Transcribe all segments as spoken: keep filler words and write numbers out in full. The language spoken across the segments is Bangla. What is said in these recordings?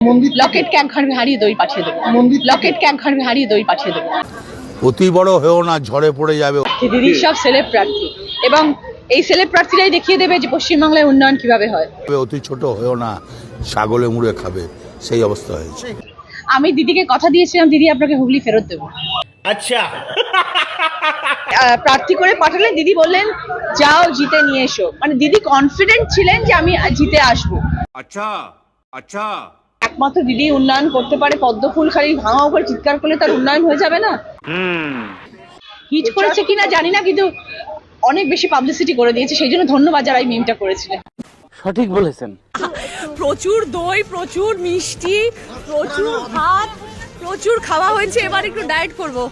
লকেটকে এক ঘর হারিয়ে দই পাঠিয়ে দেবো লকেটকে এক ঘর হারিয়ে দই পাঠিয়ে দেবো অতি বড় হয়েও না, ঝড়ে পড়ে যাবে। দিদি সব সেলেব প্রার্থী এবং এই সেলেব প্রার্থীরাই দেখিয়ে দেবে যে পশ্চিমবাংলায় উন্নয়ন কিভাবে হয়। অতি ছোট হয়েও না, ছাগলে মুড়ে খাবে, সেই অবস্থা হয়েছে। আমি দিদিকে কথা দিয়েছিলাম, দিদি আপনাকে হুগলি ফেরত দেবো। আচ্ছা, প্রার্থী করে পাঠালে দিদি বললেন যাও জিতে নিয়ে এসো, মানে দিদি কনফিডেন্ট ছিলেন যে আমি জিতে আসবো। আচ্ছা আচ্ছা একমাত্র দিদি উন্নয়ন করতে পারে। পদ্ম ফুল খালি ভাঙা উপরে চিৎকার করলে তার উন্নয়ন হয়ে যাবে না। হিট করেছে কিনা জানি না, কিন্তু অনেক বেশি পাবলিসিটি করে দিয়েছে, সেই জন্য ধন্যবাদ যারা এই মিমটা করেছিলেন। সঠিক বলেছেন। প্রচুর দই, প্রচুর মিষ্টি, প্রচুর ভাত, প্রচুর খাওয়া হয়েছে। এবার একটু ডায়েট করবো।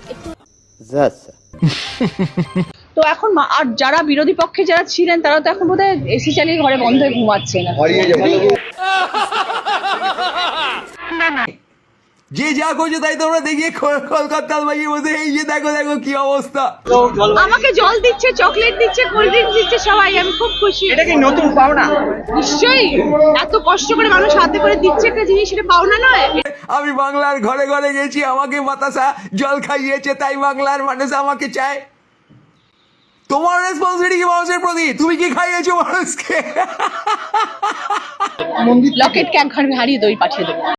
তো এখন মা- আর যারা বিরোধী পক্ষে যারা ছিলেন তারা তো এখন বোধহয় এসি চালিয়ে ঘরে বন্ধ হয়ে ঘুমাচ্ছে না। যে যা করছে তাই তোমরা দেখিয়ে কলকাতার বাইরে বসে এই যে দেখো দেখো কি অবস্থা। আমাকে জল দিচ্ছে, চকলেট দিচ্ছে, কোল্ড ড্রিঙ্কস দিচ্ছে সবাই, আমি খুব খুশি। এটা কি নতুন পাওনা? নিশ্চয়ই, এত কষ্ট করে মানুষ হাতে করে দিচ্ছে একটা জিনিস, সেটা পাওনা নয়। আমি বাংলার ঘরে ঘরে গেছি, আমাকে বাতাসা জল খাইয়েছে, তাই বাংলার মানুষ আমাকে চায়। তোমার রেসপন্সিবিলিটি কি মানুষের প্রতি? তুমি কি খাইয়েছো মানুষকে? লকেটকে এক ঘর হারিয়ে দই পাঠিয়ে দেবো।